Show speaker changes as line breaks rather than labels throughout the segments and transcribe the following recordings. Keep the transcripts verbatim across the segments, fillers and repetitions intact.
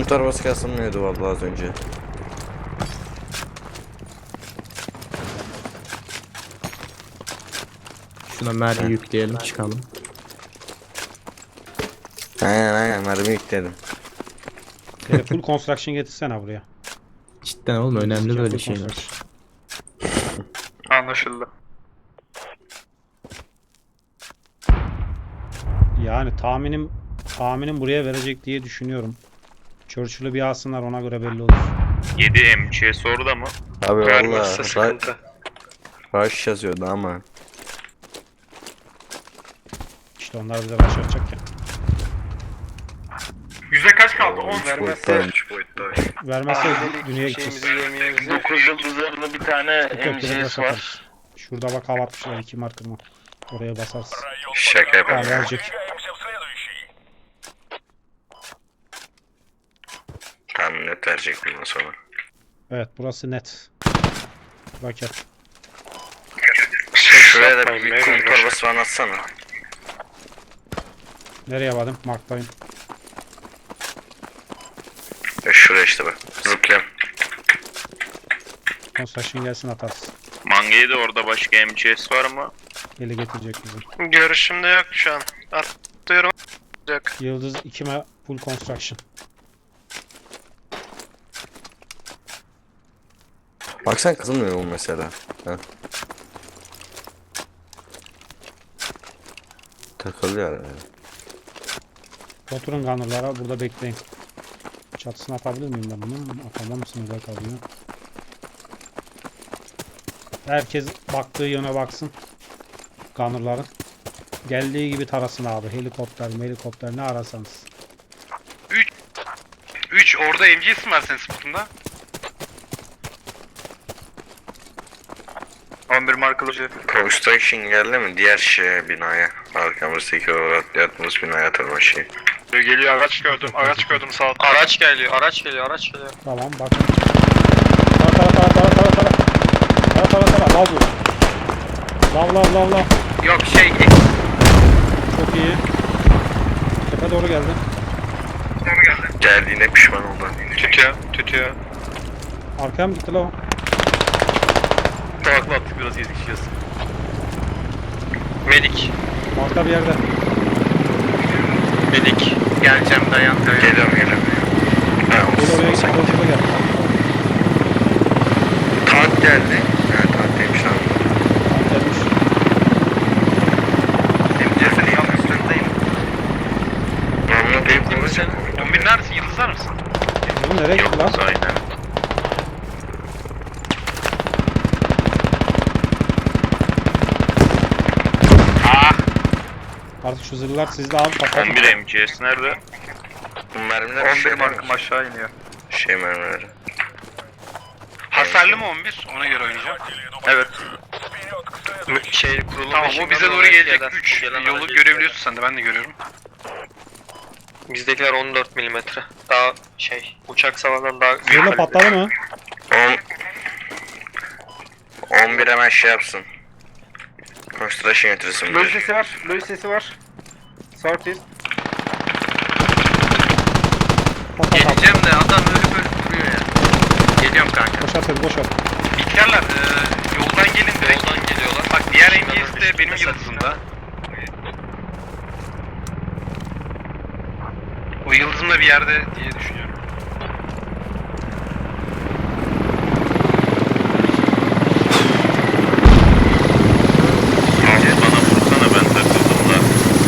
Bunun torbası kasılmıyordu vallahi az önce.
Şuna mermi yükleyelim çıkalım.
Aynen aynen mermi yükledim.
Böyle full construction getirsene buraya.
Cidden oğlum önemli
Full
böyle şeyler.
construction.
Anlaşıldı.
Yani tahminim tahminim buraya verecek diye düşünüyorum. Churchill'ı bir alsınlar, ona göre belli olur.
yedi M C S orada mı?
Abi
Vermezse
vallahi
sıkıntı.
rush yazıyordu ama.
İşte onlar bize başlayacak ya.
Yüzde kaç kaldı? on
Üç
vermezse.
boyutta.
Vermezse dünyaya gideceğiz.
dokuz yıldızlarında bir tane
Yok, yok,
M
direkt
C
rush
S var.
atarız. Şurada bak hava atmışlar, iki markırma. Oraya basarız.
Şaka
Ha,
yapıyorum.
verecek.
Tam net verecek bundan sonra.
Evet, burası net. Raket.
Şuraya da bir kum torbası falan atsana.
Nereye vardım? Marktayım.
E şuraya işte bak. Zıplayalım.
Construction gelsin, atarız.
Manga'yı da orada başka M C S var mı?
Eli getirecek bizi.
Görüşümde yok şu an. Atlıyorum.
Yıldız ikime full construction.
Bak sen kızılmıyor mu mesela? Ha. Takılıyor yani.
Oturun gunner'lara, burada bekleyin. Çatısını atabilir miyim ben bunun? Atamam, sınırda kalıyor. Herkes baktığı yöne baksın. Gunner'ların. Geldiği gibi tarasın abi. Helikopter, helikopter ne arasanız.
üç orada M C S mi var senin spotunda? on bir markalı bir.
Construction geldi mi? Diğer şeye binaya. Arkamızdaki o yattığımız binaya tırmanışı.
Geliyor, araç gördüm, araç gördüm sağ altta. Araç geliyor, araç geliyor, araç geliyor.
Tamam, bakın. Tara tara tara tara tara tara. Tara tara tara. Lav bu. Lav lav lav lav.
Yok şey,
Çok iyi. Tepe doğru geldi.
doğru geldi.
Geldiğine pişman oldu.
Tütüyor, tütüyor.
Arkaya mı gitti lav?
Kulakla attık, biraz yetişeceğiz. Medik,
Marka bir yerde.
Medik. Geleceğim, dayan, dayan.
Geliyorum geliyorum. Ha,
Gel oraya
olsun.
git. Ortada gel.
Tank geldi. Ha tank demiş lan.
Tamam, gelmiş.
M C S'nin yan üstündeyim. Normal değil kullanacak.
on bir neredesin, yıldızlar mısın?
Oğlum nereye gitti lan?
Aynen.
Artık şu zırhlar sizde abi, patlatın.
on bir M C S nerede?
Bu mermiler
on bir
şey
markım aşağı iniyor.
Şey mermileri.
Hasarlı mı on bir? Ona göre oynayacağım. Evet. Şey kurulu tamam, o bize doğru gelecek. üç yolu görebiliyorsun sen de, ben de görüyorum.
Bizdekiler on dört milimetre. Daha şey, uçak savardan daha büyük.
Zırhla
kalibre.
patladı mı?
on on bir hemen şey yapsın. Construction getirsin.
Lois sesi var, Lois sesi var. Sortis.
Patlat abi.
Geleceğim de adam ölüp ölüp duruyor ya. Geliyorum kanka.
Boşalt hadi, boşalt.
İhtiyarlar e, yoldan gelin direkt. Yoldan geliyorlar. Bak diğer M G S de benim yıldızımda. O yıldızımda bir yerde diye düşünüyorum. Abi bana vursana, ben takıldım da.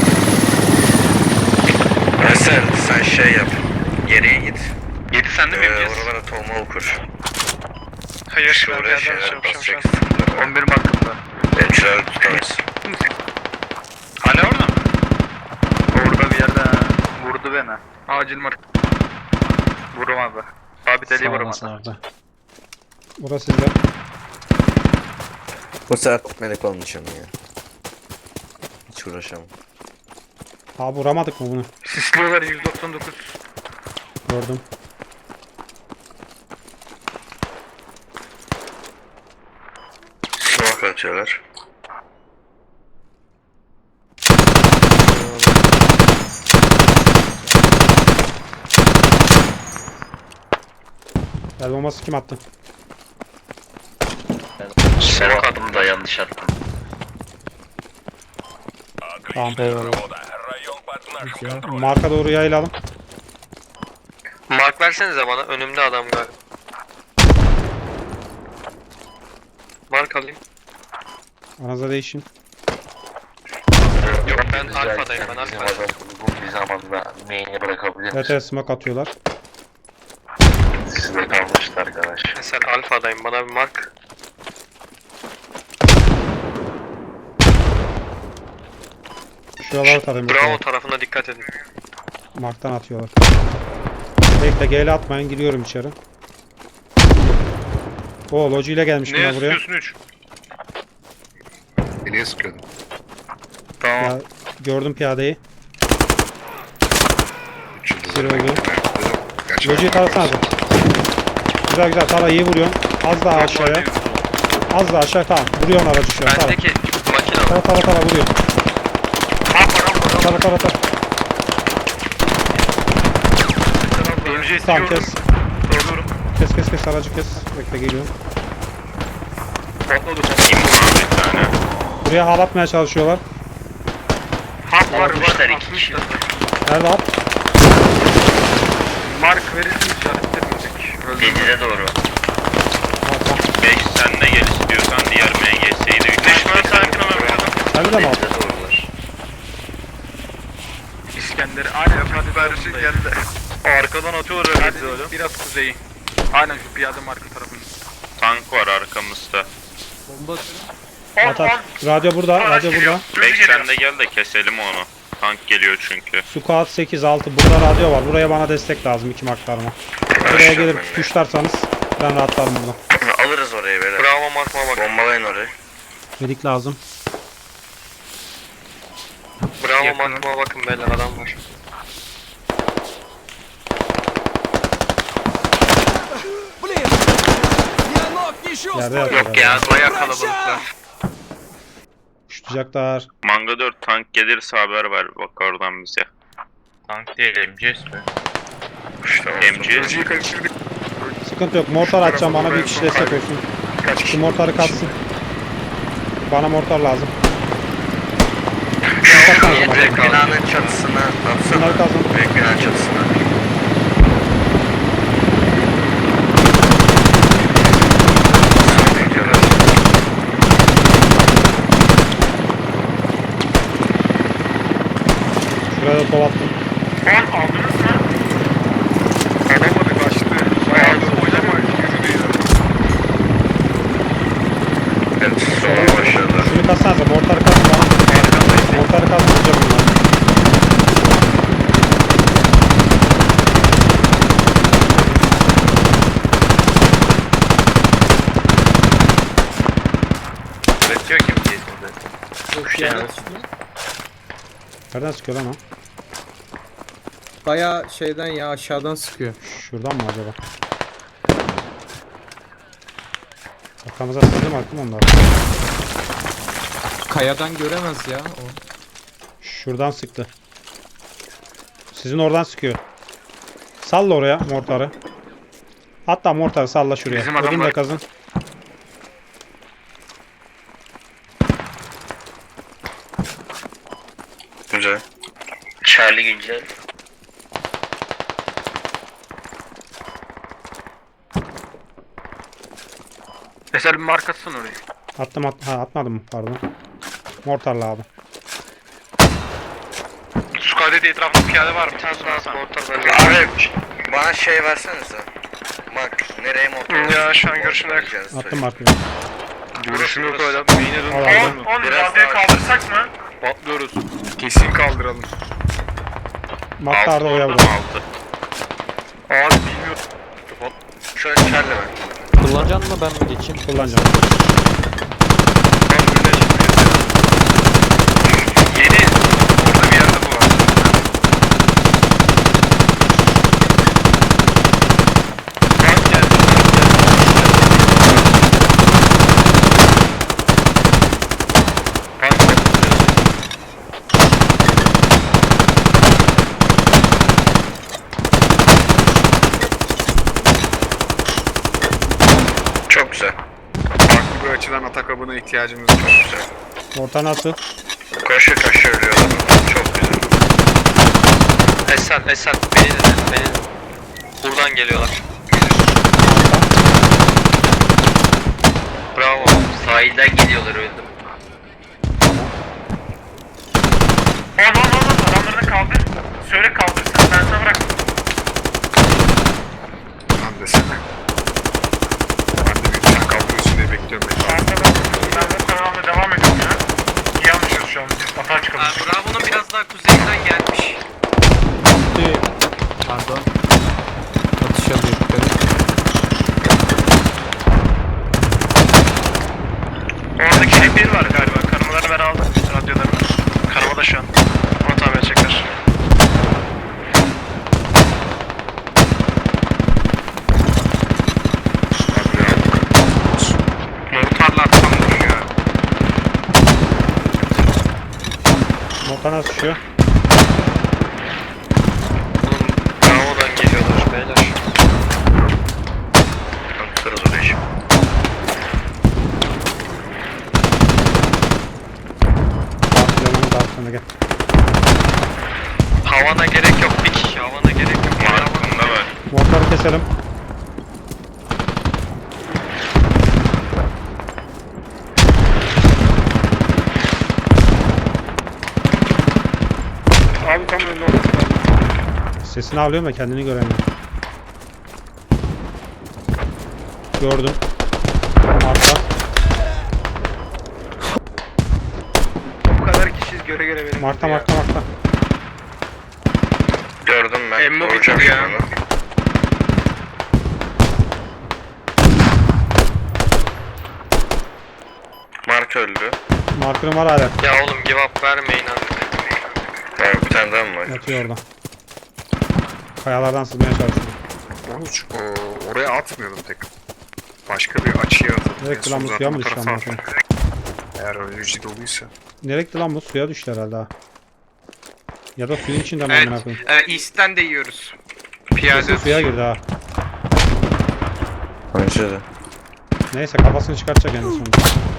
Mesela sen şey yap. Geriye git.
yedi sende mi
Ee,
M G S?
oralara tohum okur.
Hayır,
Şuraya şeyler basacaksın.
on bir markımda.
Elçiler tutamaz.
Hala orada mı? Orada bir yerde vurdu beni. Acil mark. Vuramadı. Sabit eli
Sağ
vuramadı.
olasın abi. Burası sizde.
Bu sefer melek olmayacağım ya. Hiç uğraşamam.
Abi vuramadık mı bunu?
Sisliyorlar yüz doksan dokuz.
Gördüm.
Smoke atıyorlar.
El bombası kim attı?
Sen attım da yanlış attım.
Tamam.
Güzel.
Marka doğru yayılalım.
Mark versenize bana. Önümde adam galiba. Mark alayım.
Aranızda değişin.
Yok ben alfadayım ben alfadayım.
Bu bir zamanda main'e bırakabilir
Evet
misin?
evet smoke atıyorlar.
Sizde kalmıştı arkadaş.
Mesela alfadayım bana bir mark.
Şuralara tarayın.
Bravo
bakalım.
tarafına dikkat edin.
Mark'tan atıyorlar. Bekle G L atmayın giriyorum içeri. O loji ile gelmiş bunlar buraya.
üç?
Niye sıkıyordun?
Ya, gördüm piyadeyi.
Üç yıldız.
Bir oldu.
Gerçi
Lojiyi tarasana. Güzel güzel tara iyi vuruyorsun. Az daha aşağıya. Az daha aşağı tamam. Vuruyorsun aracı şu an. Tara
Bendeki makine var.
tara tara, tara vuruyor. Tara tara tara. Tamam kes. Kes kes kes aracı kes. Bekle geliyorum. Buraya hal atmaya çalışıyorlar.
Almışlar iki kişi.
Nerede at?
Mark verirsin işaretlemeyecek.
Gecede doğru.
beş sen de gel istiyorsan diğer M G S'yi de
Düşman sakin olun.
Nerede mi at?
Gecede doğrular.
İskender'i aynen hadi verişi geldi. Arkadan atıyorlar öyle hadi, biraz kuzeyi. Aynen şu piyade marka tarafında.
tank var arkamızda.
At at. Radyo burada. Radyo burada.
beş sen de gel de keselim onu. Tank geliyor çünkü.
Squad sekiz altı. Burada radyo var. Buraya bana destek lazım iki maklarıma. Buraya gelip tuşlarsanız ben rahatlarım burada.
Alırız orayı böyle.
Bravo markma bak.
Bombalayın orayı.
Medik lazım.
Bravo markma bakın beyler adam var.
Yerde yatıyor.
Yok ya bayağı kalabalıklar.
Tutacaklar.
Manga dört tank gelirse haber ver bak oradan bize.
Tank değil M C S mi?
M G S
Sıkıntı yok. Mortar açacağım. Bana bir kişi destek olsun. Şu mortarı katsın. Bana mortar lazım.
Büyük binanın çatısına atsana.
Bunları kazın.
Büyük binanın çatısına.
Şuraya da kovattım.
Alamadı kaçtı. Bayağı da oynama yürüdü.
Evet, sola başladı.
Şunu katsanıza. Mortarı kazın bana. Mortarı kazın. Vuracağım bunları.
Üretiyor ki M C S'de.
Nereden sıkıyor lan o?
Baya şeyden ya aşağıdan sıkıyor.
Şuradan mı acaba? Arkamıza sıktı mı aklım onlar?
Kayadan göremez ya o.
Şuradan sıktı. Sizin oradan sıkıyor. Salla oraya mortarı. Hatta mortarı salla şuraya.
Bizim adam
Odun da
var.
kazın.
Güzel.
Charlie güncel.
Mesela bir markasın orayı.
Attım at ha atmadım mı pardon. Mortarla abi.
Sukadede etrafında piyade var mı?
Bir tane daha mortar var.
Abi bana şey versenize. Bak nereye motor?
Ya, şu an görüşümde yok.
Attım markayı.
Görüşüm yok öyle. Beyine
Al
dön.
abi.
on
Biraz daha
kaldırsak mı? Patlıyoruz. Kesin kaldıralım.
Marklar da oraya
orada
vurdu.
mı altı?
Abi bilmiyorum.
Şöyle çarlı ben.
Kullanacaksın mı ben mi geçeyim?
Kullanacağım.
Yeni. Orada bir yerde bu var. Bak geldi.
ihtiyacımız var.
Orta nasıl?
Kaşı kaşı ölüyor. Çok güzel.
Esat, Esat beni dinle, beni dinle. Buradan geliyorlar. Bravo.
Sahilden geliyorlar öldüm.
Oğlum oğlum oğlum adamlarını kaldır. Söyle kaldırsın ben sana bırak.
Lan desene. Ben de bir tane kaldırıyorsun diye bekliyorum.
Ben de ben de kanalına devam ediyorum ya. İyi anlaşıyoruz şu an biz atağa çıkalım.
Bravo'nun biraz daha kuzeyinden gelmiş.
Pardon. Atış alıyor yukarı.
Oradaki şey bir var galiba. Kanamaları ben aldım. Radyolarını. Kanama da şu an. Onu tabi edecekler. Mortarla atsam olur ya.
Orta nasıl düşüyor?
Oğlum Bravo'dan geliyorlar beyler.
Tutarız oraya şimdi.
Dağıtıyorum dağıtıyorum gel.
Havana gerek yok bir kişi. Havana gerek yok.
Markında var.
Mortarı keselim.
Abi tam önünde olması lazım.
Sesini alıyorum da kendini göremiyorum. Gördüm. Arka.
Bu kadar kişiyiz göre göre benim.
Marka marka marka.
Gördüm ben.
Emmo
Vuracağım
bitti ya.
şimdi onu. Mark öldü.
Markırım var hala.
Ya oğlum give up vermeyin artık.
Tamam bir tane daha mı var?
Yatıyor orada. Kayalardan sızmaya çalışıyorum.
Onu ç- o- oraya atmıyordum tek. Başka bir açıya atıp.
Nereye
en
gitti lan
son
bu
zaten
suya mı
bu
düştü
tarafa
lan?
attım. Eğer önleyici doluysa.
Nereye gitti lan bu? Suya düştü herhalde ha. Ya da suyun içinde mi
Evet.
amına koyayım?
E, East'ten de yiyoruz.
Kesin
Piyade.
suya girdi ha.
Bence de.
Neyse kafasını çıkartacak en sonunda.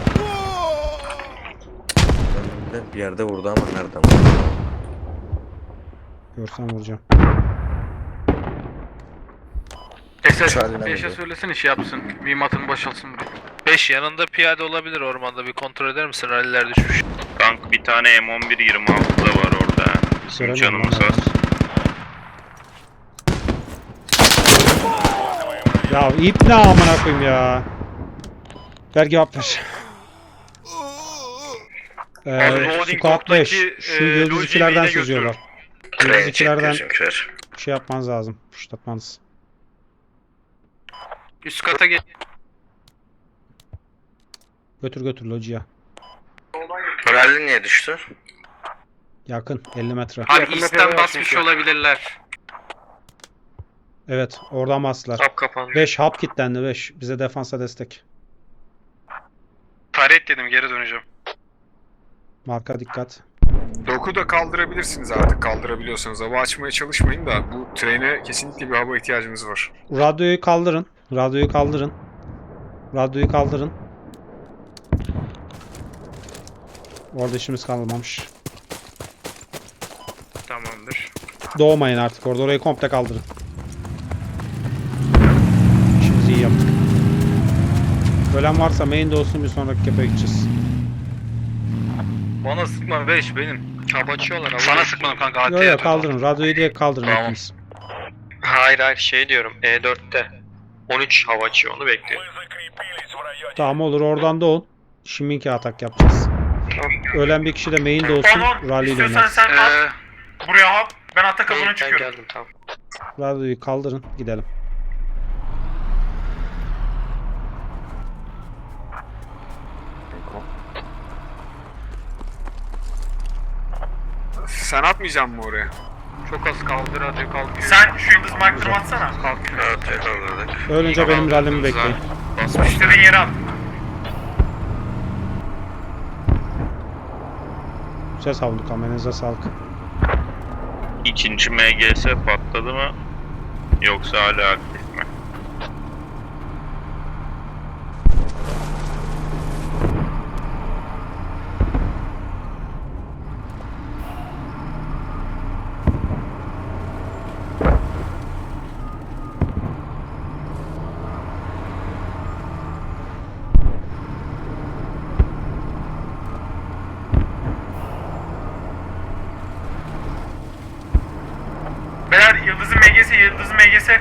Önümde bir yerde vurdu ama nereden vurdu?
Görsem vuracağım.
Esas
Charlie'den
beşe
geliyor.
söylesin iş yapsın. Mimatını boşaltsın buraya.
beş yanında piyade olabilir ormanda bir kontrol eder misin? Ralliler düşmüş.
Tank bir tane M on bir yirmi altı da var orada. Bizim
Göremiyorum
canımız
lan
az.
Ya ip ne amına koyayım ya. Ver cevap ver. Ee, Squad beş. Şu yıldız ikilerden sızıyorlar. Yıldız
Tren çekti
ikilerden
bizimkiler.
şey yapmanız lazım. Puşlatmanız.
Üst kata gel.
Götür götür lojiye.
Rally niye düştü?
Yakın elli metre.
Abi East'ten basmış olabilirler.
Evet oradan bastılar.
Tap kapandı.
beş hap kilitlendi beş. Bize defansa destek.
Taret dedim geri döneceğim.
Marka dikkat.
Doku da kaldırabilirsiniz artık kaldırabiliyorsanız. Hava açmaya çalışmayın da bu trene kesinlikle bir hava ihtiyacımız var.
Radyoyu kaldırın. Radyoyu kaldırın. Radyoyu kaldırın. Orada işimiz kalmamış.
Tamamdır.
Doğmayın artık orada. Orayı komple kaldırın. İşimizi iyi yaptık. Ölen varsa main'de olsun, bir sonraki kepe gideceğiz.
Bana sıkma beş benim.
Çap açıyorlar. ama-
Sana sıkmadım kanka.
Yok yok kaldırın. Radyoyu direkt kaldırın
Tamam.
hepiniz.
Hayır hayır şey diyorum E dörtte. on üç hava açıyor onu bekliyor.
Tamam olur oradan da ol. Şiminki atak yapacağız. Ölen bir kişi de main'de olsun. Rally ile oynarız.
sen at. Buraya hop. Ben ata
Ben,
kapına
ben
çıkıyorum.
geldim tamam.
Radyoyu kaldırın. Gidelim.
Sen atmayacaksın mı oraya?
Çok az kaldı radyo kalkıyor. Sen şu yıldız markırı atsana. Kalkıyor.
Evet yakaladık.
Ölünce benim rallimi bekleyin.
İstediğin yere at.
Güzel savunduk ama elinize sağlık.
İkinci M G S patladı mı? Yoksa hala aktif mi?
lazım M G S.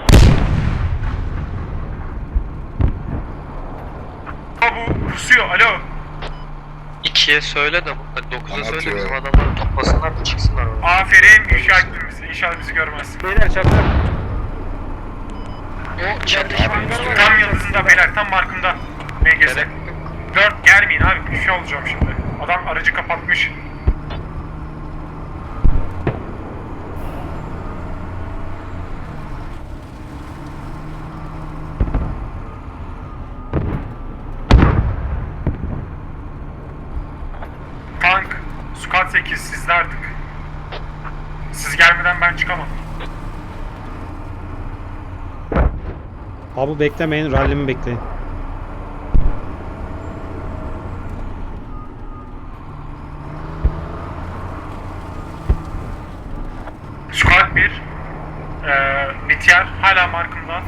Bu pusuyor. Alo.
ikiye söyle de dokuza söyle
Anlatıyor.
bizim adamları toplasınlar da çıksınlar oradan.
Aferin. İnşa ettin bizi. İnşallah bizi görmez.
Beyler çakır.
O çatışma
Tam yıldızında beyler. Tam markımda. M G S. dört gelmeyin abi. Bir şey olacağım şimdi. Adam aracı kapatmış. Tank, Squad sekiz sizde artık. Siz gelmeden ben çıkamam.
Abi beklemeyin, rallimi bekleyin.
Squad bir, ee, Bitiyer hala markımda.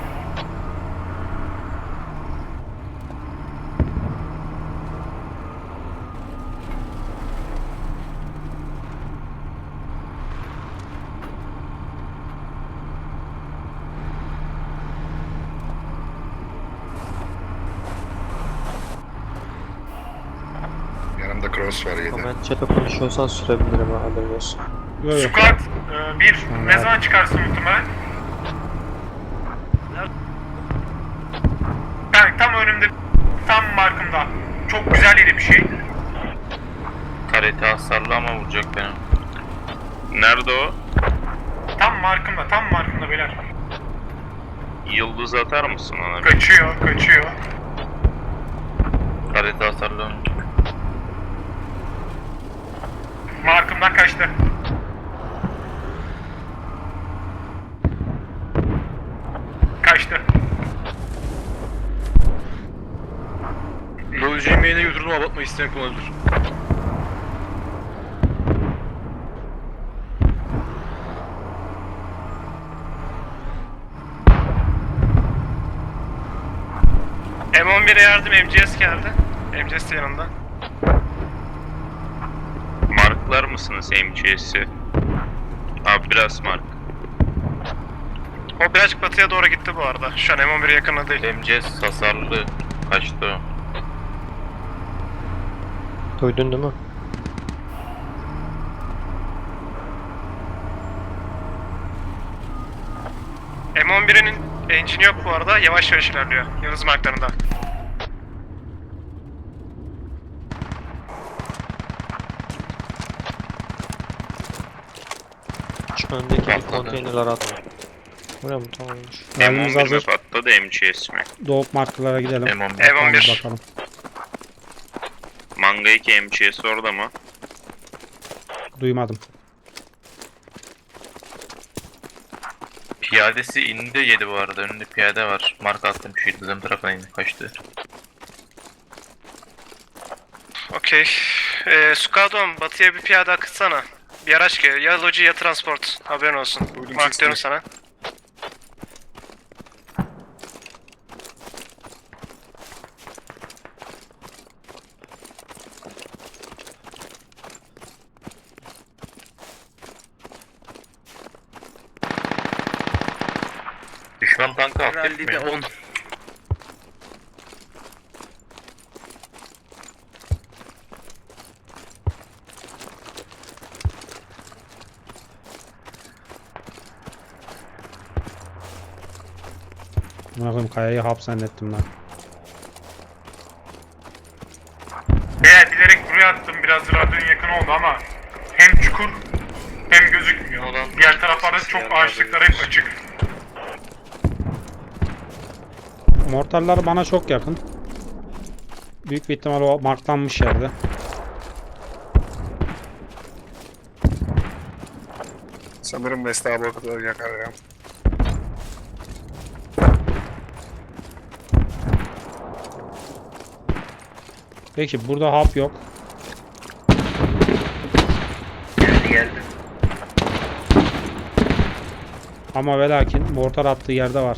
Yanımda cross var yedi.
Comment chat'e konuşuyorsan sürebilirim ha, haberin olsun.
Yok yok.
Squad ee, bir, ne zaman çıkarsın muhtemelen? Yani tam önümde, tam markımda. Çok güzel yeri bir şey.
Karate hasarlı ama vuracak beni. Nerede o?
Tam markımda, tam markımda beyler.
Yıldız atar mısın ona?
Kaçıyor, kaçıyor.
Karate hasarlı.
Markımdan kaçtı. Kaçtı.
Yolcu yemeğine götürdüm, abartma isteyen kullanılır.
M on bir'e yardım, M G S geldi. M G S de yanında.
Marklar mısınız M G S'i? Abi biraz mark.
O birazcık batıya doğru gitti bu arada. Şu an M on bir'e yakın değil.
M G S hasarlı. Kaçtı o?
Duydun değil mi?
M on bir'in engine'i yok bu arada. Yavaş yavaş ilerliyor. Yıldız marklarında.
Şu öndeki bir konteynerler atma. Buraya mı? Tamammış.
M
Rallimiz
on bir mi
hazır.
patladı M G S mi?
Doğup markalara gidelim.
M on bir.
M on bir.
Bakalım.
Manga iki M G S orada mı?
Duymadım.
Piyadesi indi yedi bu arada. Önünde piyade var. Marka attım şu yıldızın tarafına indi. Kaçtı.
Okey. Ee, Sukadon, batıya bir piyade akıtsana. Bir araç geliyor. Ya loji ya transport. Haberin olsun.
Duydum
Mark
sesini.
diyorum sana.
Düşman tankı aktif mi? on.
Buna koyayım, kayayı hap zannettim lan.
Evet, bilerek buraya attım. Biraz radyonun yakın oldu ama hem çukur hem gözükmüyor. Diğer taraflarda çok ağaçlıklar hep açık.
Mortarlar bana çok yakın. Büyük bir ihtimal o marklanmış yerde.
Sanırım Mesleğe bakıda yakar ya.
Peki burada hap yok.
Geldi geldi.
Ama ve lakin mortar attığı yerde var.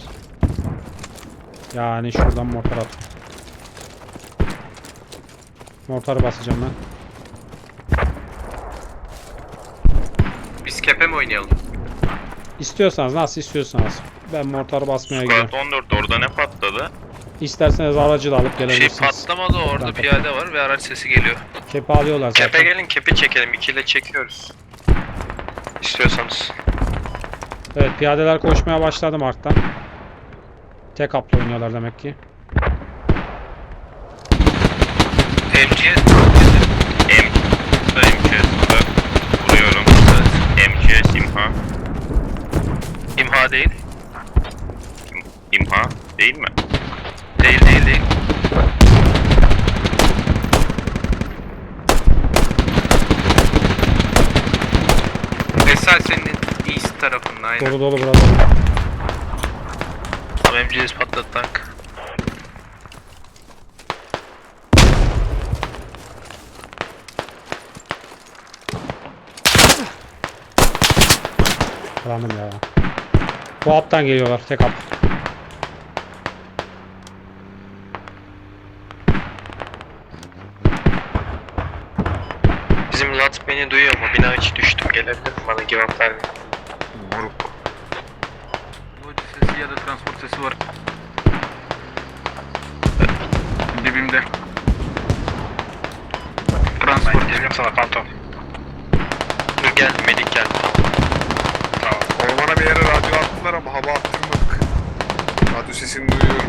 Yani şuradan mortar at. Mortarı basacağım ben.
Biz kepe mi oynayalım?
İstiyorsanız nasıl istiyorsanız. Ben mortarı basmaya gidiyorum.
Squad on dört orada ne patladı?
İsterseniz aracı da alıp
Bir şey
gelebilirsiniz.
patlamadı orada
Ben-
piyade var ve araç sesi geliyor.
Kepi alıyorlar zaten.
Kepe gelin kepi çekelim. İkiyle çekiyoruz. İstiyorsanız.
Evet, piyadeler koşmaya başladı Mark'tan. Tek up'la oynuyorlar demek ki.
M G S
M. M C S vuruyorum. M C S imha.
imha değil.
İmha değil mi?
Değil değil değil. Esal senin east tarafında aynen.
Dolu dolu burada.
Tamam M G S patladı tank.
Karandım ya. Bu up'tan geliyorlar, tek up.
Bizim Lat beni duyuyor mu? Bina içi düştüm. Gelebilir mi? Bana cevap vermiyor.
Moruk.
Loji sesi ya da transport sesi var.
Dibimde. Transport geliyorum sana Phantom.
Dur gel. Medik geldi.
Tamam. Ormana bir yere radyo attılar ama hava attırmadık. Radyo sesini duyuyorum.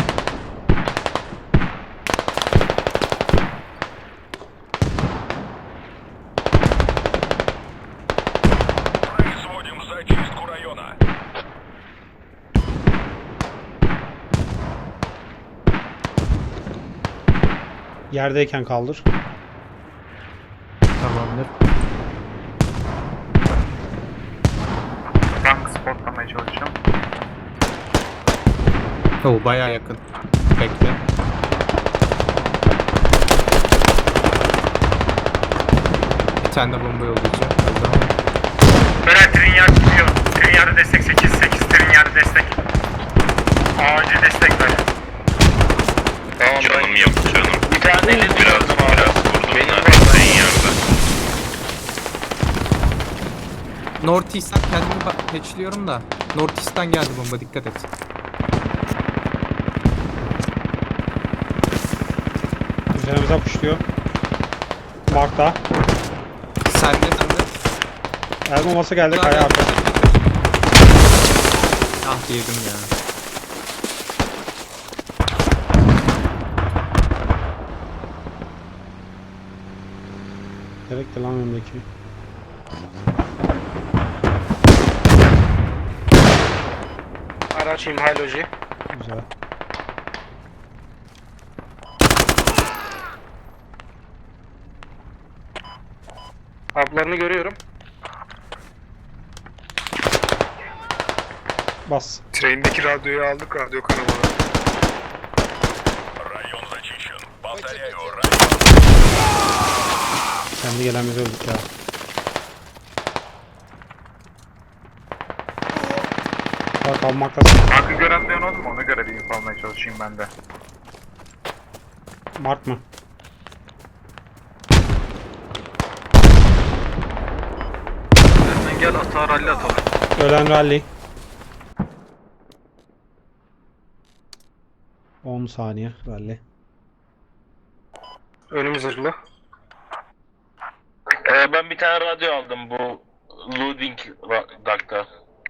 Yerdeyken kaldır.
Tamamdır.
Tank spotlamaya çalışacağım.
Oo bayağı yakın. Bekle. Bir tane de bomba yollayacağım.
Beren Trinyard gidiyor. Trinyard'a destek sekiz sekiz Trinyard'a destek. Acil destek ver.
Tamam
Canım yok canım.
Bir tane elini
Biraz
vurdum abi.
biraz vurdum
Benim
da
var.
senin yerde.
North East'ten kendimi ba- patchliyorum da. North East'ten geldi bomba, dikkat et.
Üzerimize kuşluyor. Mark'ta.
Sende sende.
El bombası geldi kaya arkası.
Ah yedim ya.
Gerekti lan önümdeki.
Araç imha loji.
Güzel.
Haplarını görüyorum.
Bas.
Trendeki radyoyu aldık, radyo kanalına.
Kendi gelen biz öldük ya. Bak almaktasın.
Tankı gören de oldu mu? Ona göre bir info almaya çalışayım ben de.
Mark mı?
Sen gel hata rally atalım.
Ölen rally. on saniye rally.
Önümüz zırhlı.
Ee, ben bir tane radyo aldım bu Loading Duck'ta.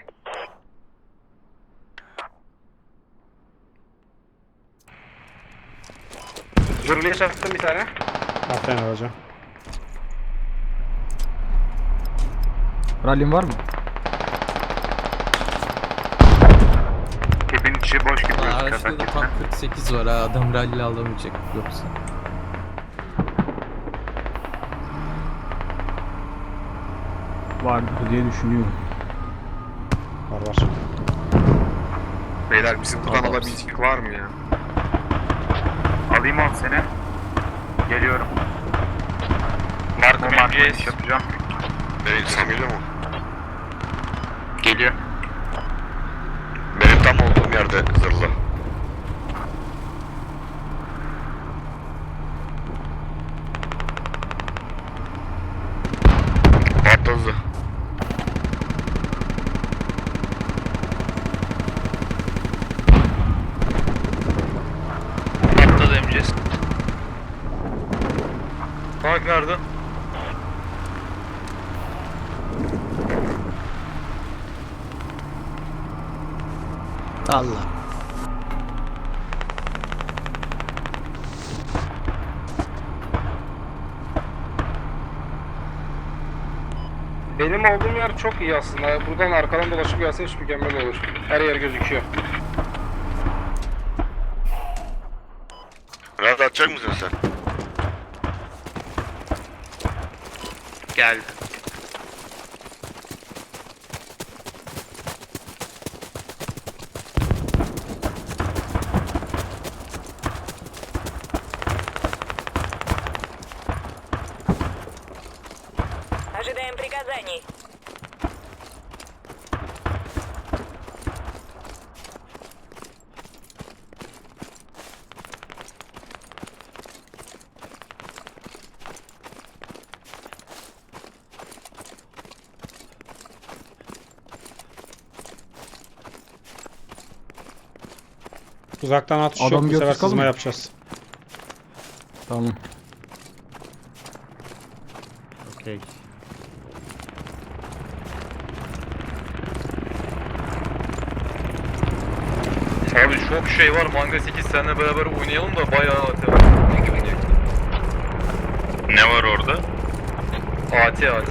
Zırhlıya çarptım bir tane.
Aferin hocam.
Rally'm var mı?
Kepin içi boş gibi gözüküyor.
Araçta da tam kırk sekiz var ha, adam rally alamayacak yoksa.
Vardır diye düşünüyorum.
Var var.
Beyler bizim buradan
Tamam.
alabilecek var mı ya?
Alayım on seni. Geliyorum.
Mark
Bu
M
marka
G
iş
S.
yapacağım.
Benim sen geliyor mu?
Geliyor.
Benim tam olduğum yerde zırhlı. Patladı.
Allah.
Benim olduğum yer çok iyi aslında. Buradan arkadan dolaşıp gelse hiç mükemmel olur. Her yer gözüküyor.
Rahat atacak mısın sen?
Geldi.
Ожидаем приказаний.
Uzaktan atış
Adam
yok. Bu sefer
götür kalın
sızma
mı?
yapacağız.
Tamam. Okey.
Abi çok şey var. Manga sekiz seninle beraber oynayalım da bayağı A T var.
Ne var orada?
A T A T.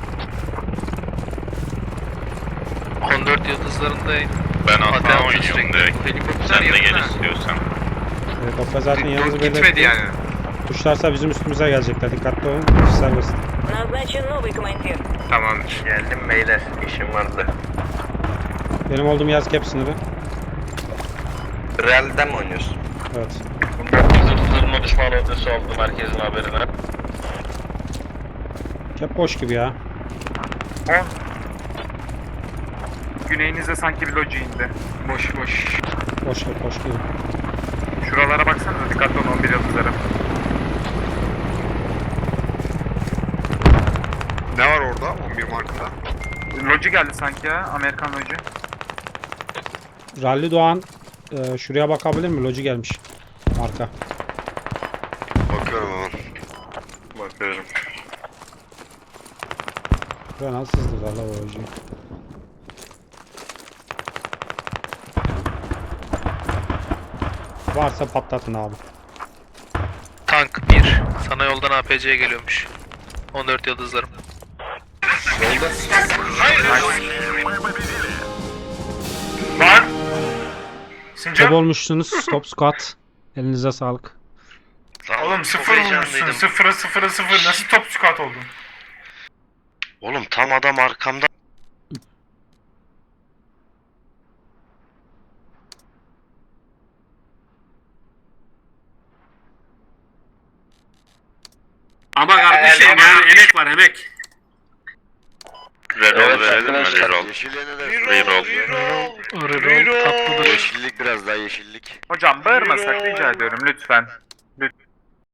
on dört yıldızlarındayım.
Ben
Hatta
atla oynuyorum direkt.
Helikopter
Sen de gel
yakın ha.
istiyorsan.
Helikopter zaten yanımızı
Gitmedi
belirtti.
yani.
Tuşlarsa bizim üstümüze gelecekler. Dikkatli olun. Serbest.
Назначен новый командир.
Tamamdır. Geldim beyler. İşim vardı.
Benim olduğum yer cap sınırı.
Real'den mi oynuyorsun?
Evet.
Zırhlı düşman ortası oldu merkezin haberine.
Cap boş gibi ya.
Güneyinizde sanki bir loji indi. Boş boş.
Boş cap boş gibi.
Şuralara baksanıza, dikkatli olun on bir yıldızlara.
Ne var orada on bir markada?
Loji geldi sanki ya, Amerikan loji.
Rally Doğan e, şuraya bakabilir mi? Loji gelmiş. Marka.
Bakıyorum hemen.
Bakıyorum.
Buraya nasıl sızdı valla o lojiyi. Varsa patlatın abi.
Tank bir. Sana yoldan A P C'ye geliyormuş. on dört yıldızlarım.
Var.
Top
Sincan.
olmuşsunuz. Top squat. Elinize sağlık.
Oğlum sıfır vurmuşsun. Sıfıra sıfıra sıfır. Nasıl top squat oldun?
Oğlum tam adam arkamda.
Ama kardeşim yani emek var emek.
Reroll verelim mi? Reroll. Reroll.
Reroll tatlıdır.
Yeşillik biraz daha yeşillik.
Hocam bağırmasak rica ediyorum lütfen.